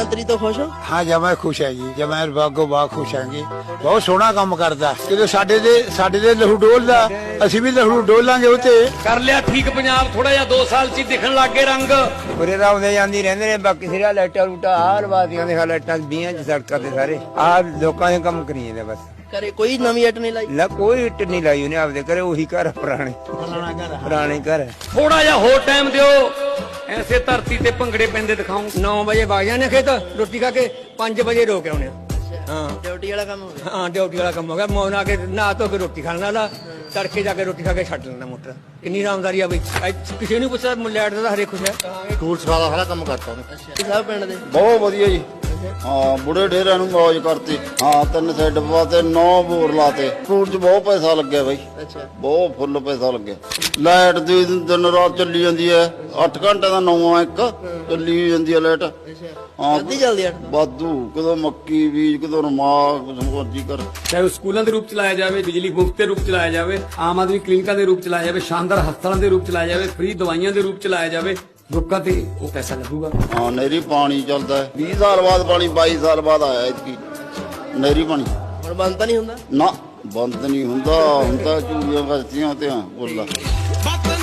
ਮੰਤਰੀ ਤੋਂ ਖੁਸ਼ ਹੋ? ਹਾਂ ਜਮਾ ਖੁਸ਼ ਹੈ ਜੀ, ਜਮਾ ਬਾਗੋ ਬਾਗ ਖੁਸ਼ ਹਾਂਗੇ। ਬਹੁਤ ਸੋਹਣਾ ਕੰਮ ਕਰਦਾ, ਜਦੋਂ ਸਾਡੇ ਦੇ ਲਹੂ ਡੋਲਦਾ ਅਸੀਂ ਵੀ ਲਹੂ ਡੋਲਾਂਗੇ। ਉਹ ਤੇ ਕਰ ਲਿਆ ਠੀਕ ਪੰਜਾਬ, ਥੋੜਾ ਜਿਹਾ 2 ਸਾਲ 'ਚ ਹੀ ਦਿਖਣ ਲੱਗ ਗਏ ਰੰਗ। ਉਰੇ ਤਾਂ ਆਉਂਦੇ ਜਾਂਦੀ ਰਹਿੰਦੇ ਨੇ, ਬਾਕੀ ਸਿਰਾ ਲਾਈਟਾਂ ਲੂਟਾਂ ਆਹ ਲਵਾਤੀਆਂ ਦੇ ਲਾਈਟਾਂ 20 ਚ ਸੜਕਾਂ ਤੇ ਸਾਰੇ ਆਹ ਲੋਕਾਂ ਦੇ ਕੰਮ ਕਰੀ ਜਾਂਦੇ ਬਸ। ਘਰੇ ਕੋਈ ਨਵੀਂ ਇੱਟ ਨਹੀਂ ਲਾਈ? ਕੋਈ ਇੱਟ ਨਹੀਂ ਲਾਈ ਉਹਨੇ, ਆਪਦੇ ਘਰੇ ਉਹੀ ਘਰ ਪੁਰਾਣੇ ਘਰ। ਥੋੜਾ ਜਿਹਾ ਹੋਰ ਟਾਈਮ ਦਿਓ, ਐਸੇ ਧਰਤੀ ਤੇ ਭੰਗੜੇ ਪੈਂਦੇ ਦਿਖਾਉਂ। 9 ਵਜੇ ਵਗ ਜਾਂਦੇ ਖੇਤ ਰੋਟੀ ਖਾ ਕੇ, 5 ਵਜੇ ਰੋਕ ਆਉਣੇ ਆ। ਹਾਂ ਡਿਊਟੀ ਵਾਲਾ ਕੰਮ ਹੋ ਗਿਆ। ਹਾਂ ਡਿਊਟੀ ਵਾਲਾ ਕੰਮ ਹੋ ਗਿਆ। ਮੌਨ ਆ ਕੇ ਨਹਾ ਧੋ ਕੇ ਰੋਟੀ ਖਾਣ ਵਾਲਾ, ਤੜਕੇ ਜਾ ਕੇ ਰੋਟੀ ਖਾ ਕੇ ਛੱਡ ਲੈਂਦਾ ਮੋਟਰ। ਕਿੰਨੀ ਆਰਾਮਦਾਰੀ ਆ ਬਈ, ਕਿਸੇ ਨੂੰ ਪੁੱਛਿਆ ਲੈਟ ਦਾ ਹਰੇ ਖੁਸ਼ ਹੈ। ਟੂਲ ਸਰਾ ਦਾ ਸਾਰਾ ਕੰਮ ਕਰਤਾ ਉਹਨੇ। ਅੱਛਾ ਸਭ ਪਿੰਡ ਦੇ ਬਹੁਤ ਵਧੀਆ ਜੀ। ਹਾਂ ਬੁੜੇ ਢੇਰਾਂ ਨੂੰ ਮੌਜ ਕਰਤੀ। ਹਾਂ 3 ਸੈੱਟ ਪਵਾਤੇ, 9 ਬੋਰ ਲਾਤੇ। ਫਰੂਟ 'ਚ ਬਹੁਤ ਪੈਸਾ ਲੱਗਿਆ ਬਾਈ, ਅੱਛਾ ਬਹੁਤ ਫੁੱਲ ਪੈਸਾ ਲੱਗਿਆ। ਲਾਈਟ ਦੀ ਦਿਨ ਰਾਤ ਚੱਲੀ ਜਾਂਦੀ ਹੈ, 8 ਘੰਟੇ ਦਾ 9 ਇੱਕ ਚੱਲੀ ਜਾਂਦੀ ਹੈ ਲਾਈਟ। ਅੱਛਾ ਹਾਂ ਅੱਧੀ ਜਲਦੀ ਅੱਠ ਵਾਧੂ, ਕਦੋਂ ਮੱਕੀ ਬੀਜ, ਕਦੋਂ ਰਮਾਕ, ਕੁਝ ਮਰਜ਼ੀ ਕਰ। ਚਾਹੇ ਉਹ ਸਕੂਲਾਂ ਦੇ ਰੂਪ ਚ ਲਾਇਆ ਜਾਵੇ, ਬਿਜਲੀ ਮੁਫਤ ਦੇ ਰੂਪ ਚ ਲਾਇਆ ਜਾਵੇ, ਆਮ ਆਦਮੀ ਕਲੀਨਿਕਾਂ ਦੇ ਰੂਪ ਚ ਲਾਇਆ ਜਾਵੇ, ਸ਼ਾਨਦਾਰ ਹਸਪਤਾਲਾਂ ਦੇ ਰੂਪ ਚ ਲਾਇਆ ਜਾਵੇ, ਫ੍ਰੀ ਦਵਾਈਆਂ ਦੇ ਰੂਪ ਚ ਲਾਇਆ ਜਾਵੇ, ਲੋਕਾਂ ਤੇ ਉਹ ਪੈਸਾ ਲੱਗੂਗਾ। ਹਾਂ ਨਹਿਰੀ ਪਾਣੀ ਚੱਲਦਾ ਹੈ, 20 ਸਾਲ ਬਾਅਦ ਪਾਣੀ, 22 ਸਾਲ ਬਾਅਦ ਆਇਆ ਇਤਕੀ ਨਹਿਰੀ ਪਾਣੀ। ਹੁਣ ਬੰਦ ਤਾਂ ਨਹੀਂ ਹੁੰਦਾ? ਨਾ ਬੰਦ ਨਹੀਂ ਹੁੰਦਾ, ਹੁਣ ਤਾਂ ਚੂੜੀਆਂ ਵਰਤੀਆਂ ਤੇ ਬੋਲਾ।